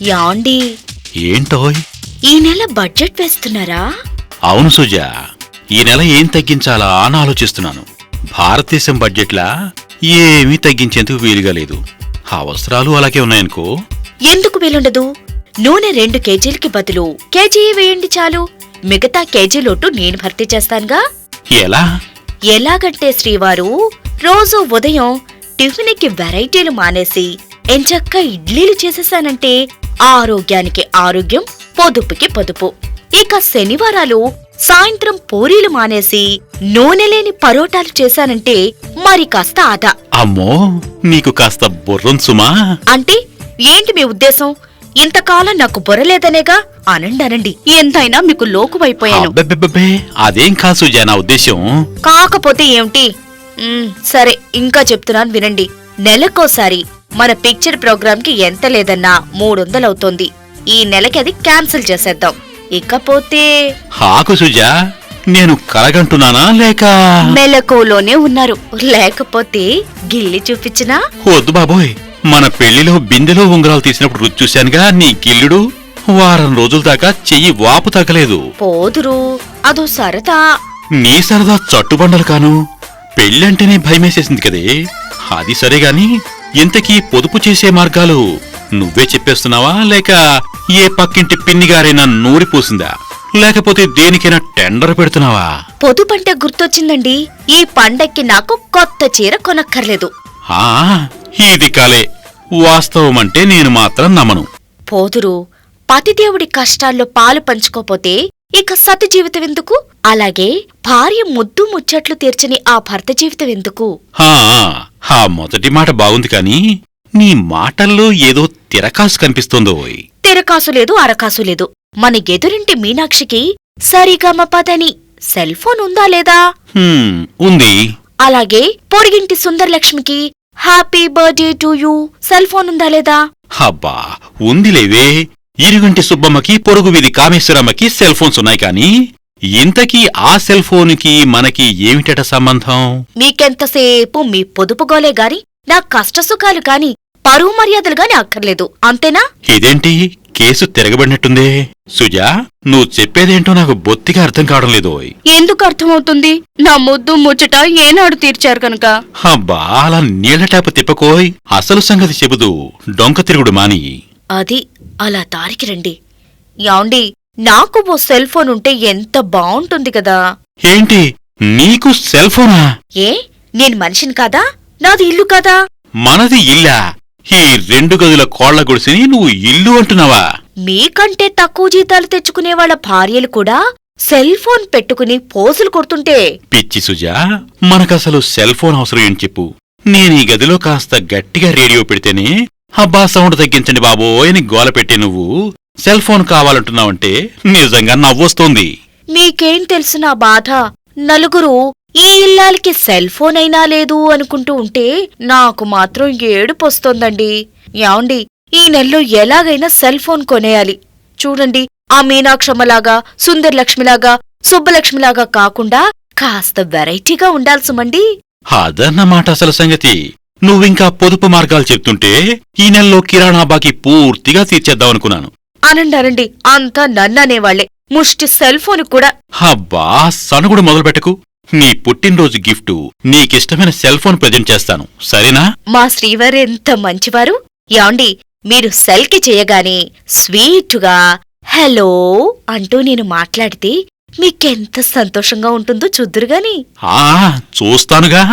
యాండి ఏంటోయ్? ఈ నెల బడ్జెట్ వేస్తున్నారా? అవును సుజా, ఈ నెల ఏం తగ్గించాలా అని ఆలోచిస్తున్నాను. భారతదేశం బడ్జెట్లా ఏమీ తగ్గించేందుకు వీలుగా లేదు. అవసరాలు అలాగే ఉన్నాయనుకో. ఎందుకు వీలుండదు? నూనె 2 కేజీలకి బదులు కేజీ వేయండి చాలు. మిగతా కేజీ లోటు నేను భర్తీ చేస్తానుగా. ఎలా? ఎలాగంటే శ్రీవారు రోజు ఉదయం టిఫిన్కి వెరైటీలు మానేసి ఎంచక్క ఇడ్లీలు చేసేసానంటే ఆరోగ్యానికి ఆరోగ్యం, పొదుపుకి పొదుపు. ఇక శనివారాలు సాయంత్రం పూరీలు మానేసి నూనె లేని పరోటాలు చేశానంటే మరి కాస్త ఆదా. అమ్మో, నీకు కాస్త బుర్రం సుమా. అంటే ఏంటి మీ ఉద్దేశం? ఇంతకాలం నాకు బుర్రలేదనేగా? అనండి, ఎంతైనా మీకు లోకువైపోయాను. అబ్బెబ్బెబ్బే, అదేం కాదు సుజా నా ఉద్దేశం. కాకపోతే ఏమిటి? సరే, ఇంకా చెప్తున్నాను వినండి. నెలకోసారి మన పిక్చర్ ప్రోగ్రామ్ కి ఎంత లేదన్నా 300 అవుతోంది. ఈ నెలకి అది క్యాన్సిల్ చేసేద్దాం. ఇకపోతే హాకు సుజా, నేను కలగంటున్నానా లేక మెలకువలోనే ఉన్నారు? లేకపోతే గిల్లి చూపించినా? వద్దు బాబోయ్, మన పెళ్లిలో బిందెలో ఉంగరాలు తీసినప్పుడు రుచి చూశానుగా. నీ గిల్లుడు వారం రోజుల దాకా చెయ్యి వాపు తగ్గలేదు. పోదురు, అదో సరదా. నీ సరదా చట్టుబండలు కాను. పెళ్ళంటేనే భయమేసేసింది కదే. అది సరేగాని, ఇంతకీ పొదుపు చేసే మార్గాలు నువ్వే చెప్పేస్తున్నావా లేక ఏ పక్కింటి పిన్నిగారైనా నూరిపోసిందా? లేకపోతే దేనికైనా టెండర్ పెడుతున్నావా? పొదుపంటే గుర్తొచ్చిందండి. ఈ పండక్కి నాకు కొత్త చీర కొనక్కర్లేదు. ఆ, ఇది కాలే. వాస్తవమంటే నేను మాత్రం నమ్మను. పోదురు, పతిదేవుడి కష్టాల్లో పాలు పంచుకోపోతే ఇక సతి జీవితం ఎందుకు? అలాగే భార్య ముద్దు ముచ్చట్లు తీర్చని ఆ భర్త జీవితం ఎందుకు? ఆ మొదటి మాట బాగుంది కాని, నీ మాటల్లో ఏదో తిరకాసు కనిపిస్తోందో. తిరకాసు లేదు, అరకాసు లేదు. మన ఎదురింటి మీనాక్షికి సరిగమపదని సెల్ ఫోన్ ఉందా లేదా? ఉంది. అలాగే పొరిగింటి సుందరలక్ష్మికి happy birthday to you cell phone ఉందా లేదా? అబ్బా, ఉందిలేవే. ఇరుగంటి సుబ్బమ్మకి, పొరుగు వీధి కామేశ్వరమ్మకి సెల్ ఫోన్స్ ఉన్నాయి కాని, ఇంతకీ ఆ సెల్ ఫోన్కి మనకి ఏమిటట సంబంధం? మీకెంతసేపు మీ పొదుపుగోలే గాని నా కష్టసుఖాలు కాని పరువు మర్యాదలు గాని అక్కర్లేదు, అంతేనా? ఇదేంటి కేసు తిరగబడినట్టుందే. సుజా, నువ్వు చెప్పేదేంటో నాకు బొత్తిగా అర్థం కావడం లేదు. ఎందుకు అర్థమవుతుంది? నా ముద్దు ముచ్చట ఏనాడు తీర్చారు కనుక. అబ్బా, అలా నీళ్ల ట్యాపు తిప్పకోయ్. అసలు సంగతి చెబుదు, డొంక తిరుగుడు మాని. అది అలా దారికి రండి. యాండి, నాకు ఓ సెల్ ఫోన్ ఉంటే ఎంత బావుంటుంది కదా. ఏంటి, నీకు సెల్ ఫోనా? ఏ, నేను మనిషిని కాదా? నాది ఇల్లు కాదా? మనది ఇల్లా? ఈ 2 గదుల కోళ్ల గుడిసిని నువ్వు ఇల్లు అంటున్నావా? మీకంటే తక్కువ జీతాలు తెచ్చుకునే వాళ్ళ భార్యలు కూడా సెల్ ఫోన్ పెట్టుకుని పోజులు కొడుతుంటే. పిచ్చి సుజా, మనకసలు సెల్ ఫోన్ అవసరం ఏం చెప్పు. నేనీ గదిలో కాస్త గట్టిగా రేడియో పెడితేనే అబ్బా సౌండ్ తగ్గించండి బాబోయ్ అని గోల పెట్టి నువ్వు సెల్ ఫోన్ కావాలంటున్నావంటే నిజంగా నవ్వొస్తోంది. మీకేం తెలుసు నా బాధ? నలుగురు ఈ ఇల్లాలకి సెల్ ఫోన్ అయినా లేదు అనుకుంటూ ఉంటే నాకు మాత్రం ఏడుపొస్తోందండి. యాండి, ఈ నెలలో ఎలాగైనా సెల్ ఫోన్ కొనేయాలి. చూడండి, ఆ మీనాక్షమ్మలాగా, సుందరలక్ష్మిలాగా, సుబ్బలక్ష్మిలాగా కాకుండా కాస్త వెరైటీగా ఉండాల్సుమండి. అదన్నమాట అసలు సంగతి. నువ్వింకా పొదుపు మార్గాలు చెప్తుంటే ఈ నెలలో కిరాణా బాకీ పూర్తిగా తీర్చేద్దామనుకున్నాను. అనండి, అంతా నన్ననేవాళ్లే. ముష్టి సెల్ ఫోన్ కూడా. అబ్బా, సనుగుడు మొదలుపెట్టకు. నీ పుట్టినరోజు గిఫ్టు నీకిష్టమైన సెల్ ఫోన్ ప్రజెంట్ చేస్తాను, సరేనా? మా శ్రీవారు ఎంత మంచివారు. యాండి, మీరు సెల్కి చేయగానే స్వీటుగా హలో అంటూ నేను మాట్లాడితే మీకెంత సంతోషంగా ఉంటుందో చూద్దురుగాని. చూస్తానుగా.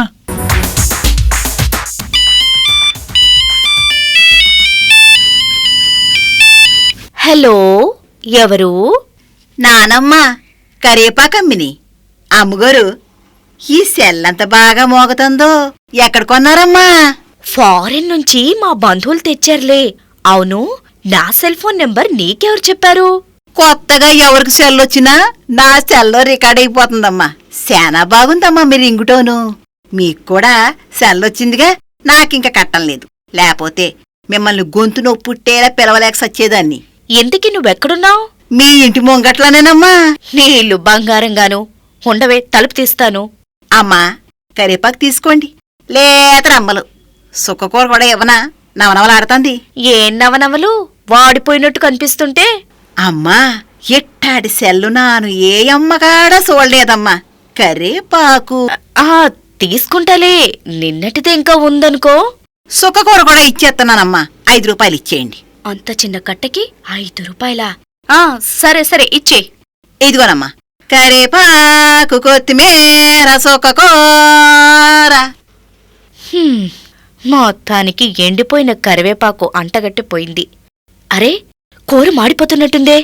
హలో, ఎవరు? నానమ్మ, కరేపాకమ్మిని. అమ్మగారు, ఈ సెల్లంత బాగా మోగుతుందో ఎక్కడ కొన్నారమ్మా? ఫారెన్ నుంచి మా బంధువులు తెచ్చారులే. అవును, నా సెల్ ఫోన్ నెంబర్ నీకెవరు చెప్పారు? కొత్తగా ఎవరికి సెల్లొచ్చినా నా సెల్లో రికార్డ్ అయిపోతుందమ్మా. శానా బాగుందమ్మా మీ రింగుటోను. మీక్కూడా సెల్లొచ్చిందిగా, నాకింక కట్టం లేదు. లేకపోతే మిమ్మల్ని గొంతు నొప్పుట్టేలా పిలవలేక సచ్చేదాన్ని. ఎందుకి నువ్వెక్కడున్నావు? మీ ఇంటి ముంగట్లోనేనమ్మా. నీ ఇల్లు బంగారంగాను. ఉండవే, తలుపు తీస్తాను. అమ్మా, కరేపాకు తీసుకోండి. లేతరమ్మలు సుక్కకూర కూడా ఇవ్వనా? నవనవలాడుతుంది. ఏం నవనవలు? వాడిపోయినట్టు కనిపిస్తుంటే. అమ్మా ఎట్టాడి సెల్లు నాను ఏ అమ్మగాడ చూడలేదమ్మా. కరేపాకు ఆ తీసుకుంటాలే, నిన్నటిదే ఇంకా ఉందనుకో. సుఖకూర కూడా ఇచ్చేస్తున్నానమ్మా, 5 రూపాయలు ఇచ్చేయండి. అంత చిన్న కట్టకి 5 రూపాయలా? సరే సరే ఇచ్చే. ఇదిగోనమ్మా, కరేపాకు కొత్తిమీర సుఖకూర. మొత్తానికి ఎండిపోయిన కరివేపాకు అంటగట్టిపోయింది. అరే, కూర మాడిపోతున్నట్టుందే.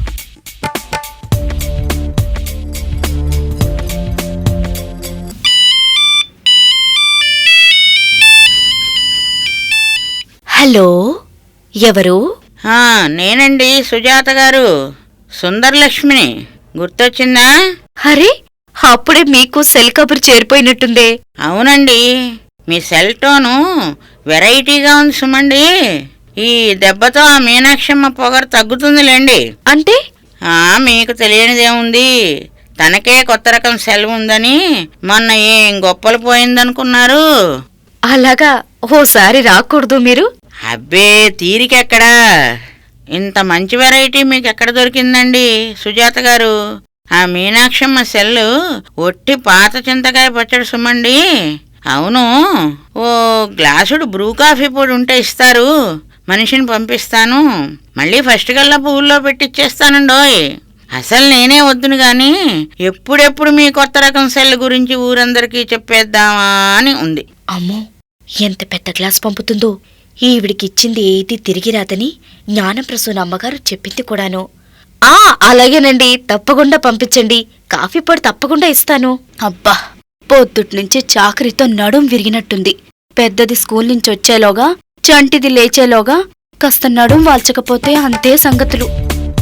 హలో, ఎవరు? నేనండి సుజాత గారు, సుందరలక్ష్మిని. గుర్తొచ్చిందా? అరే, అప్పుడే మీకు సెల్ కబురు చేరిపోయినట్టుందే. అవునండి, మీ సెల్ టోను వెరైటీగా ఉంది సుమండి. ఈ దెబ్బతో ఆ మీనాక్షమ్మ పొగరు తగ్గుతుందిలేండి. అంటే? మీకు తెలియనిదేముంది, తనకే కొత్త రకం సెల్ ఉందని మొన్న ఏం గొప్పలు పోయిందనుకున్నారు. అలాగా, ఓసారి రాకూడదు మీరు? అబ్బే, తీరికెక్కడా. ఇంత మంచి వెరైటీ మీకు ఎక్కడ దొరికిందండి సుజాత గారు? ఆ మీనాక్షమ్మ సెల్లు ఒట్టి పాత చింతకాయ పచ్చడి సుమండి. అవును, ఓ గ్లాసుడు బ్రూ కాఫీ పొడి ఉంటే ఇస్తారు, మనిషిని పంపిస్తాను. మళ్ళీ ఫస్ట్ కల్లా పువ్వుల్లో పెట్టిచ్చేస్తానండోయ్. అసలు నేనే వద్దును గాని ఎప్పుడెప్పుడు మీ కొత్త రకం సెల్ గురించి ఊరందరికీ చెప్పేద్దామా అని ఉంది. అమ్మో, ఎంత పెద్ద గ్లాస్ పంపుతుందో. ఈవిడికిచ్చింది ఏది తిరిగి రాదని జ్ఞానప్రసూన అమ్మగారు చెప్పింది కూడాను. అలాగేనండి, తప్పకుండా పంపించండి. కాఫీ పొడి తప్పకుండా ఇస్తాను. అబ్బా, పొద్దుట్నుంచి చాకరీతో నడుం విరిగినట్టుంది. పెద్దది స్కూల్ నుంచి వచ్చేలోగా, చంటిది లేచేలోగా కాస్త నడుం వాల్చకపోతే అంతే సంగతులు.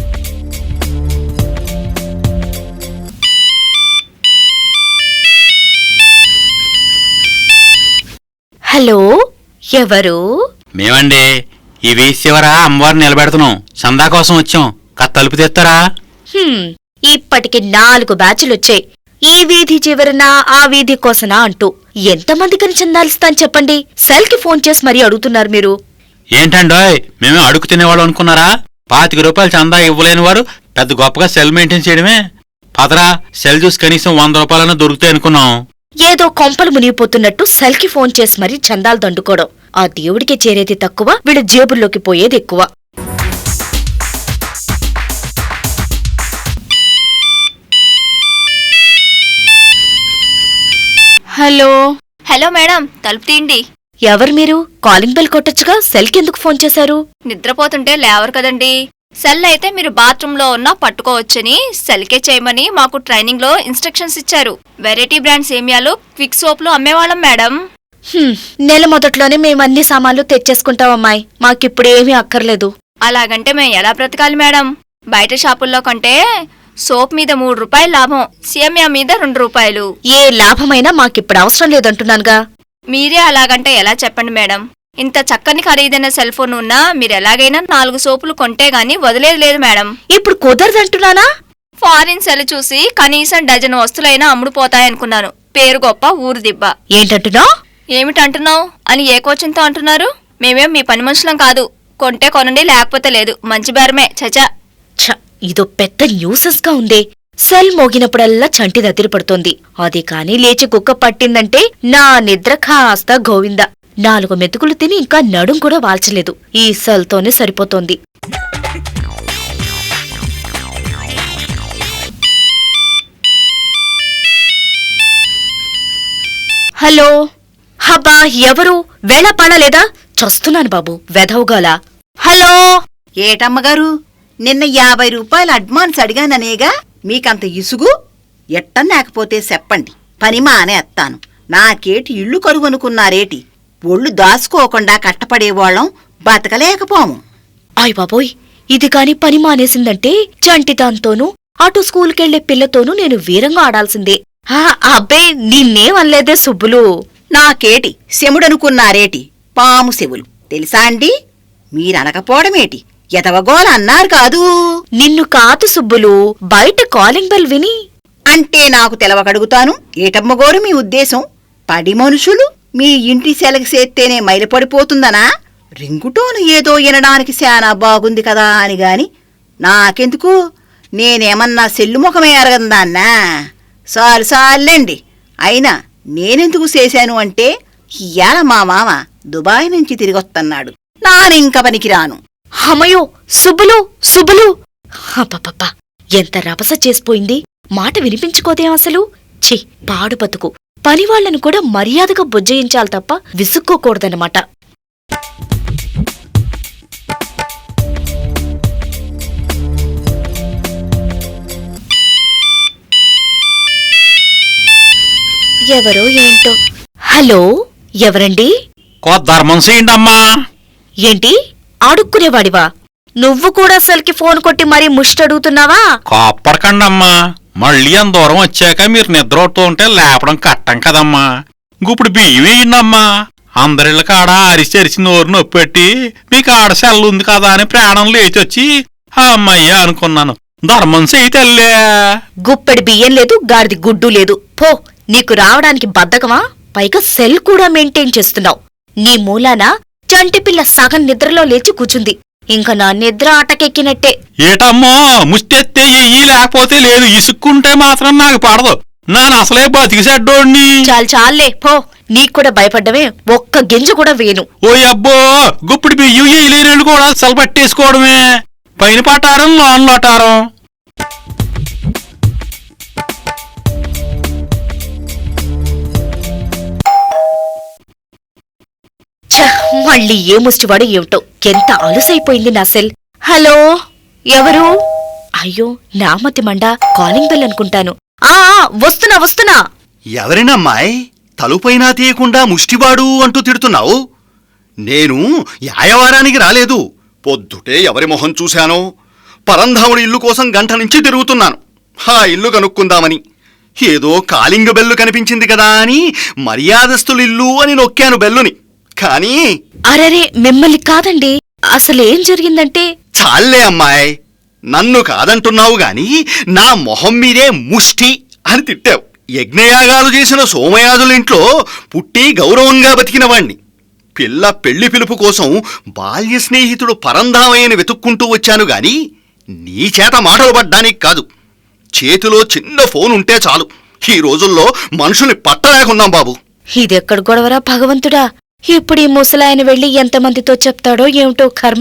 హలో, ఎవరు? మేమండి, ఈ వీధి చివర అమ్మవారిని నిలబెడుతున్నాం. చందా కోసం వచ్చాం. తలుపు తెస్తారా? ఇప్పటికి 4 బ్యాచులొచ్చాయి. ఈ వీధి చివరనా ఆ వీధి కోసనా అంటూ. ఎంతమందికని చందాలిస్తాను చెప్పండి? సెల్కి ఫోన్ చేసి మరీ అడుగుతున్నారు మీరు. ఏంటండోయ్, మేమే అడుగు తినేవాళ్ళు అనుకున్నారా? 25 రూపాయలు చందా ఇవ్వలేని వారు పెద్ద గొప్పగా సెల్ మెయింటైన్ చేయడమే. పదరా, సెల్ చూసి కనీసం 100 రూపాయలన్నా దొరుకుతాయి అనుకున్నాం. ఏదో కొంపలు మునిగిపోతున్నట్టు సెల్కి ఫోన్ చేసి మరీ చందాలు దండుకోవడం. ఆ దేవుడికి చేరేది తక్కువ, వీళ్ళ జేబుల్లోకి పోయేది ఎక్కువ. హలో. హలో మేడం, తలుపు తీయండి. ఎవరు మీరు? కాలింగ్ బెల్ కొట్టొచ్చుగా, సెల్కెందుకు ఫోన్ చేశారు? నిద్రపోతుంటే లేవరు కదండి. సెల్ అయితే మీరు బాత్రూంలో ఉన్నా పట్టుకోవచ్చని సెల్కే చేయమని మాకు ట్రైనింగ్ లో ఇన్స్ట్రక్షన్స్ ఇచ్చారు. వెరైటీ బ్రాండ్ సేమియాలు, క్విక్ సోప్లు అమ్మేవాళ్ళం మేడం. నెల మొదట్లోనే మేమన్ని సామాన్లు తెచ్చేసుకుంటాం అమ్మాయి, మాకిప్పుడేమీ అక్కర్లేదు. అలాగంటే మేము ఎలా బ్రతకాలి మేడం? బయట షాపుల్లో కంటే సోప్ మీద 3 రూపాయలు లాభం, సేమియా మీద 2 రూపాయలు. ఏ లాభమైనా మాకిప్పుడు అవసరం లేదంటున్నానుగా. మీరే అలాగంటే ఎలా చెప్పండి మేడం? ఇంత చక్కని ఖరీదైన సెల్ ఫోన్ ఉన్నా మీరెలాగైనా 4 సోపులు కొంటే గాని వదిలేదు లేదు మేడం. ఇప్పుడు కుదరదంటున్నానా? ఫారిన్ సెల్ చూసి కనీసం డజన్ వస్తువులైనా అమ్ముడుపోతాయనుకున్నాను. పేరు గొప్ప, ఊరు దిబ్బ. ఏంటంటున్నావు? ఏమిటంటున్నావు అని ఏ కోచంతో అంటున్నారు? మేమేం మీ పని మనుషులం కాదు. కొంటే కొనండి, లేకపోతే లేదు. మంచి బేరమే. చచా, ఇదో పెద్ద న్యూసెస్ గా ఉందే. సెల్ మోగినప్పుడల్లా చంటి దదిరి పడుతోంది. అది కాని లేచి కుక్క పట్టిందంటే నా నిద్ర కాస్త గోవింద. 4 మెతుకులు తిని ఇంకా నడుం కూడా వాల్చలేదు. ఈ సెల్తోనే సరిపోతోంది. హలో. హబ్బా, ఎవరు? వేళపాడలేదా? చస్తున్నాను బాబు, వెధవుగాలా. హలో. ఏటమ్మగారు, నిన్న 50 రూపాయలు అడ్వాన్స్ అడిగాననేగా మీకంత ఇసుగు? ఎట్టన్నాకపోతే చెప్పండి, పని మానేస్తాను. నాకేటి ఇల్లు కరువనుకున్నారేటి? ఒళ్ళు దాసుకోకుండా కట్టపడేవాళ్ళం బతకలేకపోము. ఆయ్ బాబోయ్, ఇది కాని పని మానేసిందంటే చంటిదాంతోనూ అటు స్కూల్కెళ్లే పిల్లతోనూ నేను వీరంగా ఆడాల్సిందే. అబ్బే, నిన్నేమనలేదే సుబ్బులు. నాకేటి శముడనుకున్నారేటి? పాము శవులు తెలుసా అండి? మీరనకపోవడమేటి? ఎదవగోల అన్నారు కాదు. నిన్ను కాదు సుబ్బులు, బయట కాలింగ్ బెల్ విని. అంటే నాకు తెలవకడుగుతాను. ఏటమ్మగోరు మీ ఉద్దేశం? పడి మనుషులు మీ ఇంటి సెలకి సేత్తేనే మైలపడిపోతుందనా? రింగుటోను ఏదో వినడానికి శానా బాగుంది కదా అని గాని నాకెందుకు, నేనేమన్నా సెల్లు ముఖమే అరగందాన్నా? సార్లేండి. అయినా నేనెందుకు చేశాను అంటే, ఇయ్యాల మా మామ దుబాయ్ నుంచి తిరిగొత్తన్నాడు, నానింక పనికిరాను. అమ్మయ్యో, సుబ్బులు అబ్బబ్బబ్బా, ఎంత రభస చేసిపోయింది. మాట వినిపించుకోదేం అసలు. ఛీ, పాడు బతుకు. పనివాళ్లను కూడా మర్యాదగా బుజ్జయించాలి తప్ప విసుక్కోకూడదన్నమాట. ఎవరో ఏంటో. హలో, ఎవరండి? ధర్మం చేయండమ్మా. ఏంటి, అడుక్కునేవాడివా? నువ్వు కూడా అసలుకి ఫోన్ కొట్టి మరీ ముష్టడుగుతున్నావా? కాపడకండమ్మా, మళ్ళీ అంత దూరం వచ్చాక మీరు నిద్రపోతూ ఉంటే లేపడం కట్టం కదమ్మా. ఇప్పుడు బియ్యం వేయండమ్మా. అందరిళ్ళ కాడ అరిచి నోరు నొప్పి పెట్టి మీకు ఆడ సెల్లు ఉంది కదా అని ప్రాణం లేచి వచ్చి అమ్మయ్య అనుకున్నాను. ధర్మం చేయి తల్లే. గుప్పెడి బియ్యం లేదు, గాడిది గుడ్డు లేదు. పో, నీకు రావడానికి బద్ధకమా? పైగా సెల్ కూడా మెయింటైన్ చేస్తున్నావు. నీ మూలాన చంటిపిల్ల సగం నిద్రలో లేచి కూచుంది. ఇంక నా నిద్ర ఆటకెక్కినట్టే. ఏటమ్మో, ముష్టెత్తే ఎయ్యి లేకపోతే లేదు. ఇసుక్కుంటే మాత్రం నాకు పడదు. నాను అసలే బతికి చెడ్డోణ్ణి. చాలే పో. నీక్కూడా భయపడ్డవే, ఒక్క గింజ కూడా వేను. ఓ అబ్బో, గుప్పుడు బియ్యం ఎయ్యలేనోళ్ళు కూడా సలపట్టేసుకోవడమే. పైన పటారం లోన్లో అటారం. మళ్ళీ ఏ ముష్టివాడు ఏమిటో. ఎంత అలుసైపోయింది నా సెల్. హలో, ఎవరు? అయ్యో, నామతి మండా, కాలింగ్ బెల్ అనుకుంటాను. వస్తున్నా. ఎవరినమ్మాయ్ తలుపైనా తీయకుండా ముష్టివాడు అంటూ తిడుతున్నావు? నేను యాయవారానికి రాలేదు. పొద్దుటే ఎవరి మొహం చూశానో, పరంధాముడి ఇల్లు కోసం గంట నుంచి తిరుగుతున్నాను. ఆ ఇల్లు కనుక్కుందామని. ఏదో కాలింగ బెల్లు కనిపించింది కదా అని మర్యాదస్తులిల్లు అని నొక్కాను బెల్లుని. కానీ అరరే, మిమ్మల్ని కాదండి. అసలేం జరిగిందంటే... చాలే అమ్మాయ్, నన్ను కాదంటున్నావు గాని నా మొహం మీదే ముష్టి అని తిట్టావు. యజ్ఞయాగాలు చేసిన సోమయాజులింట్లో పుట్టి గౌరవంగా బతికిన వాణ్ణి. పిల్ల పెళ్లి పిలుపు కోసం బాల్య స్నేహితుడు పరంధామయ్యని వెతుక్కుంటూ వచ్చాను గాని నీ చేత మాటలు పడ్డానికి కాదు. చేతిలో చిన్న ఫోన్ ఉంటే చాలు. ఈ రోజుల్లో మనుషుల్ని పట్టలేకున్నాం బాబు. ఇదెక్కడ గొడవరా భగవంతుడా! ఇప్పుడు ఈ ముసలాయన వెళ్లి ఎంతమందితో చెప్తాడో ఏమిటో కర్మ.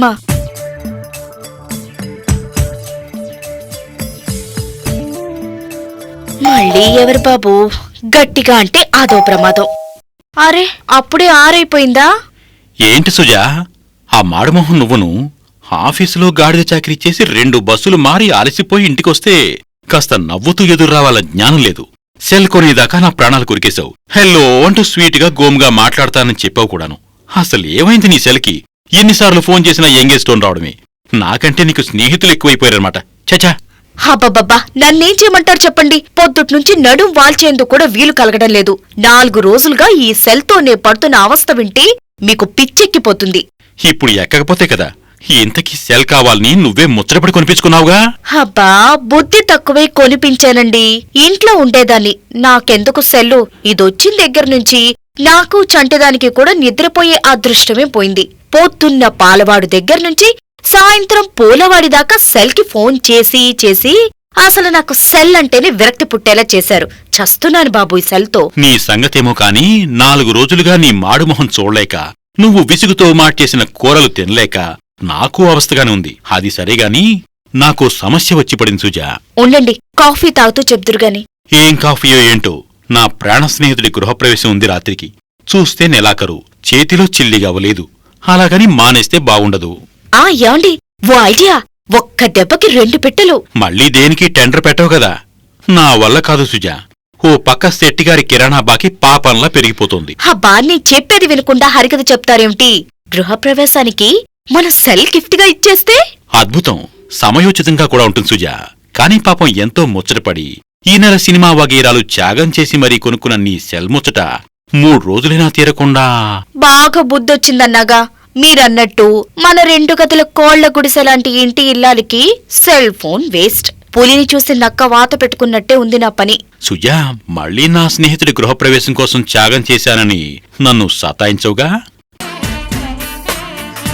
మళ్ళీ ఎవరు బాబు? గట్టిగా అంటే అదో ప్రమాదం. అరే, అప్పుడే ఆరైపోయిందా? ఏంటి సుజా, ఆ మాడుమోహన్ నువ్వును ఆఫీసులో గాడిద చాకరీ చేసి 2 బస్సులు మారి అలసిపోయి ఇంటికొస్తే కాస్త నవ్వుతూ ఎదుర్రావాల జ్ఞానం లేదు. సెల్ కొనేదాకా నా ప్రాణాలు కొరికేశావు. హెల్లో అంటూ స్వీట్గా గోముగా మాట్లాడతానని చెప్పావు కూడాను. అసలు ఏమైంది నీ సెల్కి? ఎన్నిసార్లు ఫోన్ చేసినా ఎంగేజ్ టోన్ రావడమే. నాకంటే నీకు స్నేహితులు ఎక్కువైపోయారనమాట. చచా. హబ్బబ్బబ్బా, నన్నేం చేయమంటారు చెప్పండి. పొద్దుట్నుంచి నడుం వాల్చేందుకు కూడా వీలు కలగడం లేదు. 4 రోజులుగా ఈ సెల్తో నే పడుతున్న అవస్థ వింటే మీకు పిచ్చెక్కిపోతుంది. ఇప్పుడు ఎక్కకపోతే కదా ఇంతకీ సెల్ కావాలని నువ్వే ముచ్చటపడి కొనిపించుకున్నావుగా. అబ్బా, బుద్ధి తక్కువే కొనిపించానండి. ఇంట్లో ఉండేదాన్ని. నాకెందుకు సెల్లు? ఇదొచ్చిన దగ్గర నుంచి నాకు చంటిదానికి కూడా నిద్రపోయే అదృష్టమే పోయింది. పొద్దున్న పాలవాడు దగ్గర నుంచి సాయంత్రం పూలవాడి దాకా సెల్కి ఫోన్ చేసి అసలు నాకు సెల్ అంటేనే విరక్తి పుట్టేలా చేశారు. చస్తున్నాను బాబు ఈ సెల్తో. నీ సంగతేమో కాని 4 రోజులుగా నీ మాడుమొహం చూడలేక, నువ్వు విసుగుతో మార్చేసిన కూరలు తినలేక నాకు అవస్థగానే ఉంది. అది సరేగాని నాకు సమస్య వచ్చి పడింది సుజా. ఉండండి, కాఫీ తాగుతూ చెప్దురుగాని. ఏం కాఫీయో ఏంటో, నా ప్రాణ స్నేహితుడి గృహప్రవేశం ఉంది రాత్రికి. చూస్తే నెలాఖరు, చేతిలో చిల్లిగవ్వలేదు. అలాగని మానేస్తే బావుండదు. యాండి, ఓ ఐడియా. ఒక్క దెబ్బకి 2 పెట్టెలు. మళ్ళీ దేనికి టెండర్ పెట్టవు కదా. నా వల్ల కాదు సుజా. ఓ పక్క శెట్టిగారి కిరాణా బాకి పాపంలా పెరిగిపోతుంది. అబ్బా, నీ చెప్పేది వినకుండా హరికథ చెప్తారేమిటి? గృహప్రవేశానికి మన సెల్ గిఫ్ట్ గా ఇచ్చేస్తే అద్భుతం, సమయోచితంగా కూడా ఉంటుంది సుజా. కాని పాపం ఎంతో ముచ్చటపడి ఈ నెల సినిమా వగైరాలు త్యాగం చేసి మరీ కొనుక్కున్న నీ సెల్ ముచ్చట 3 రోజులైనా తీరకుండా. బాగా బుద్ధొచ్చిందన్నాగా. మీరన్నట్టు మన 2 గదుల కోళ్ల గుడిసెలాంటి ఇంటి ఇల్లాలికి సెల్ ఫోన్ వేస్ట్. పులిని చూసి నక్క వాత పెట్టుకున్నట్టే ఉంది నా పని. సుజా, మళ్ళీ నా స్నేహితుడి గృహప్రవేశం కోసం త్యాగం చేశానని నన్ను సతాయించవుగా.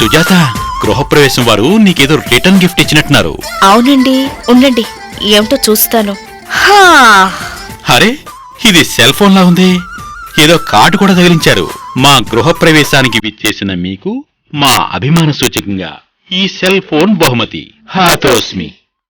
సుజాత, గృహప్రవేశం వారు నీకేదో రిటర్న్ గిఫ్ట్ ఇచ్చినట్టున్నారు. అవునండి, ఉండండి, ఏమిటో చూస్తాను. హా, అరే, ఇది సెల్ ఫోన్ లా ఉంది. ఏదో కార్డు కూడా తగిలించారు. మా గృహప్రవేశానికి విచ్చేసిన మీకు మా అభిమాన సూచకంగా ఈ సెల్ ఫోన్ బహుమతి. హాతోస్మి.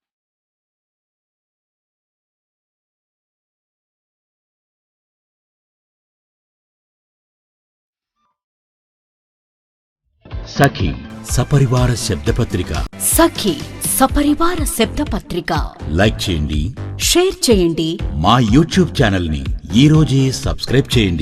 సఖీ సపరివార శబ్దపత్రిక. సఖీ సపరివార శబ్దపత్రిక లైక్ చేయండి, షేర్ చేయండి. మా యూట్యూబ్ ఛానల్ ని ఈ రోజే సబ్స్క్రైబ్ చేయండి.